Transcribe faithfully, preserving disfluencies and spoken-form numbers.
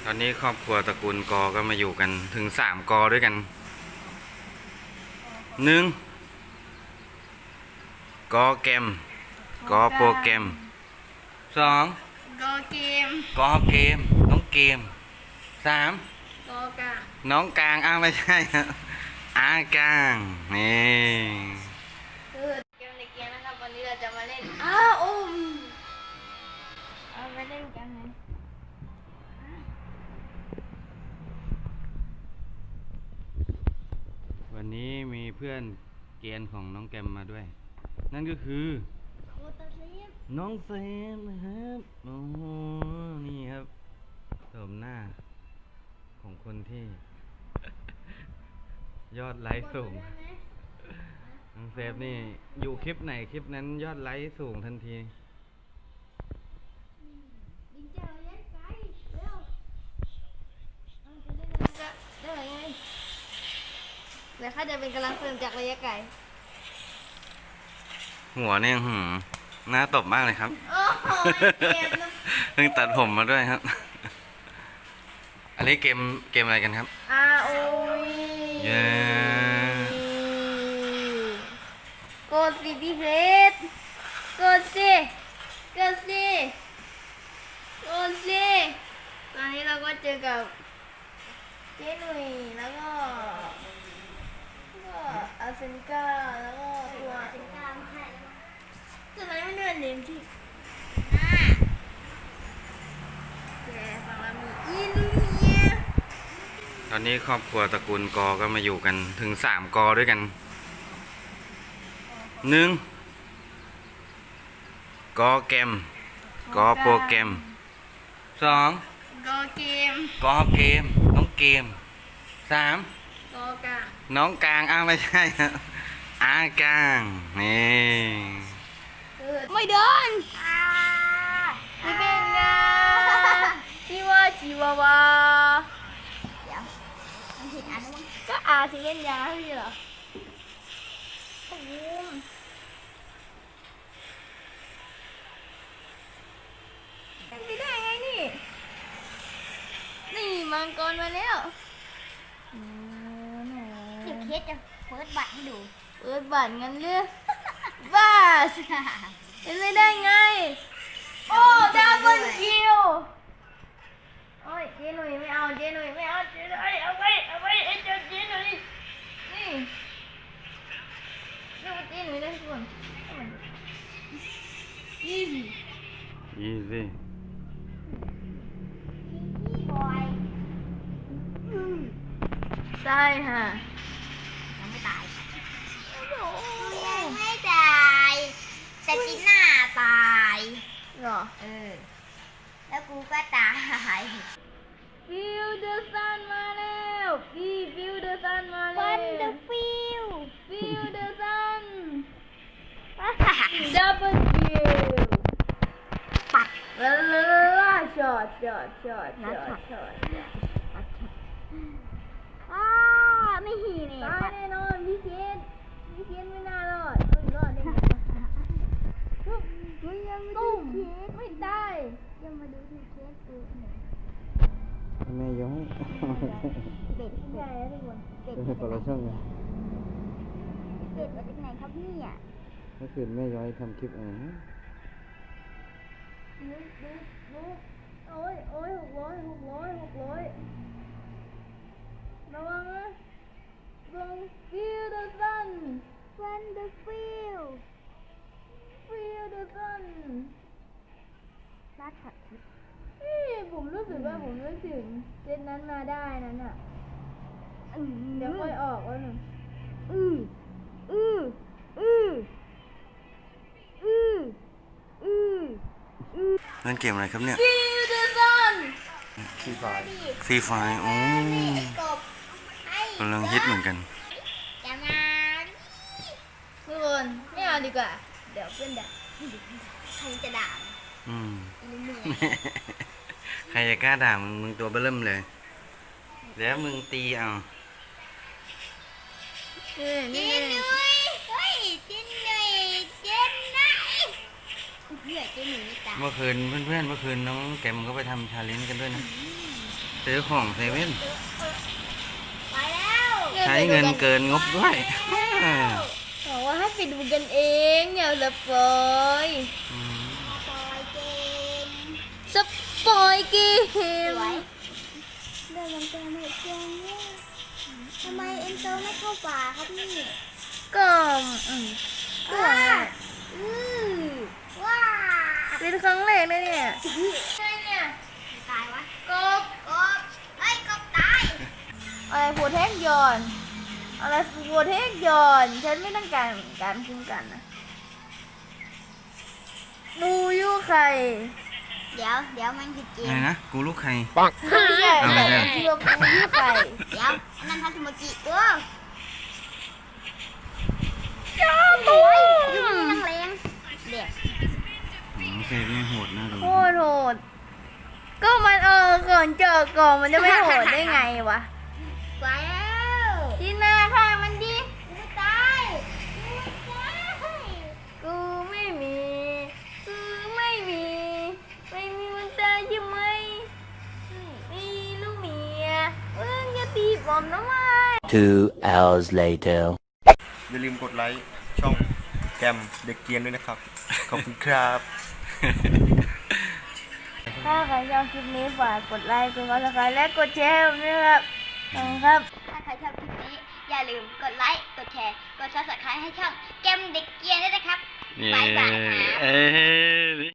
ตอนนี้ครอบครัวตระกูลกอก็มาอยู่กันถึงสามกอด้วยกันหนึ่งกอเกมกอโปรแกรมสองกอเกมกอเกมน้องเกมสามกอกาน้องกลางอ้าวไม่ใช่ครับอากลางนี่คือเกมในเกมนะครับวันนี้เราจะมาเล่นอ้าวอุ้มเอาไปเล่นกันไหมวันนี้มีเพื่อนเกณฑ์ของน้องแกมมาด้วยนั่นก็คือน้องเซมนะครับโอ้โหนี่ครับโฉมหน้าของคนที่ยอดไลค์สูงน้องเซฟนี่อยู่คลิปไหนคลิปนั้นยอดไลค์สูงทันทีได้ไงเดี๋ยวข้าจะเป็นกำลังเสริมจากระยะไกลหัวเนี่ยหืมหน้าตบมากเลยครับโอ้โหเกมนะเพิ่งตัดผมมาด้วยครับอันนี้เกมเกมอะไรกันครับอาร์ โอ วีเย้กดสิพี่เพชรกดสิกดสิกดสิตอนนี้เราก็เจอกับเจ๊หนุ่ยแล้วก็ก็อาเซนกาแล้วก็ตัวอาเซนกาไม่ใช่ตัวไหนไม่เดินเนมที่แกฝั่งเรามีอีลูเมียตอนนี้ครอบครัวตระกูลกอก็มาอยู่กันถึงสามกอด้วยกันหนึ่งกอเกมกอโปรแกรมสองกอเกมกอเกมน้องเกมสามกอกาน้องกลางอ้าวไม่ใช่ครับอากลางนี่ไม่เดินไม่เป็นไงชิวาชิวาวาเดี๋ยวมันผิดอันมั้งก็อาที่เล่นยาพี่เหรอโอ้โหไม่ได้ไงนี่นี่มังกรมาแล้วเดี๋ยวเคสจะเปิดบัตรให้ดูเปิดบัตรงั้นเลือกบ้าเป็นไม่ได้ไงโอ้ดับเบิลคิวโอ้ยเจ๊หนุ่ยไม่เอาเจ๊หนุ่ยไม่เอาเจ๊หนุ่ยเอาไปเอาไปไอ้เจ้าเจ๊หนุ่ยนี่เรียกว่าเจ๊หนุ่ยได้ทุกคนอีซี่อีซี่พี่บอยใช่ฮะยังไม่ตายโอ้โหยังไม่ตายแต่จีน่าตายเหรอเออแล้วกูก็ตายฟิวเดอร์ซันมาแล้วฟีฟิวเดอร์ซันมาแล้ววันเดอร์ฟิลฟิวเดอร์ซันดับเบิลคิวปัดลาลาลาลาช็อตช็อตช็อตช็อตช็อตอ้าไม่หีเนี่ยตายปัดแน่นอนพี่เคนพี่เคนไม่น่ารอดไม่รอดได้ไงมึงยังมาดูตุ้มเคสไม่ได้ยังมาดูที่เคสกูเนี่ยแม่ย้อยเป็ดไม่เป็ได้ดแล้วทุกคนเป็ดเป็นคนละช่องกันเป็ดมาจากไหนครับเนี่ยเมื่อคืนแม่ย้อยทำคลิปอะไรนะนึกนึกนึกโอ้ยโอ้ยหกร้อยหกร้อยหกร้อยระวังนะลงฟิวเดอร์ซันวันเดอร์ฟิลฟิวเดอร์ซันลาดถัดทิศนี่ผมรู้สึกว่าผมนึกถึงเจนนั้นมาได้นั้นอ่ะอือเดี๋ยวค่อยออกแล้วหนึ่งอืออืออืออืออืออือเล่นเกมอะไรครับเนี่ยฟิวเดอร์ซันฟรีไฟฟรีไฟโอ้กบให้กำลังฮิตเหมือนกันยังไงทุกคนไม่เอาดีกว่า เดี๋ยวเพื่อนด่าใครจะด่าอืมอีลูเมียใครจะกล้าด่ามึงมึงตัวเบิ่มเลย แล้วมึงตีเอาเฮ้ยเจนี่นนุ้ยเฮ้ยเจนนุ้ยเจนไหนเพื่อเจนนุ้ยไม่ตายเมื่อคืนเพื่อนๆเมื่อคืนน้องแกมก็ไปทำชาเลนจ์กันด้วยนะเซื้อของเซเว่นไปแล้วใช้เงินเกินงบด้วยบอกว่าให้ไปดูกันเองอย่าสปอยสปอยเกมสปอยเกมเรื่องมันเจอไม่เจอเนี่ยทำไมเอ็นโซไม่เข้าป่าครับนี่ก็อืมก็อือว้าเป็นครั้งแรกนะเนี่ยใช่เนี่ยตายวะกบกบเฮ้ยกบตายอะไรโปรเทคยอนอะไรโปรเทคยอนฉันไม่ต้องการการคุ้มกันนะมูยูไข่เดี๋ยวเดี๋ยวมันผิดเกอะไรมนะ กูลูกใครไม่ใช่เอาไปแต่เลยชื่อมูยูไข่เดี๋ยวอันนั้นทัศมกิกูจ้าตัวยูนี่นังเลงเด็กอืมเซฟนี่โหดน่าดูโคตรโหดก็มันเออก่อนเจอก่อนมันจะไม่โหดได้ไงวะไปแล้วที่หน้าข้างมันดิกูตายกูตายกูไม่มีกูไม่มีไม่มีมันตายใช่ไหมมีลูกเมียมึงจะตีผมทำไม Two hours later. อย่าลืมกดไลค์ช่องแกมเด็กเกรียนด้วยนะครับ ขอบคุณครับถ้าใครชอบคลิปนี้ฝากกดไลค์กดซับสไครต์และกดแชร์ด้วยครับขอบคุณครับ ถ้าใครชอบคลิปนี้อย่าลืมกดไลค์ กดแชร์ กดซับสไครต์ให้ช่องแกมเด็กเกียร์ด้วยนะครับ บ๊ายบายครับเอ้ย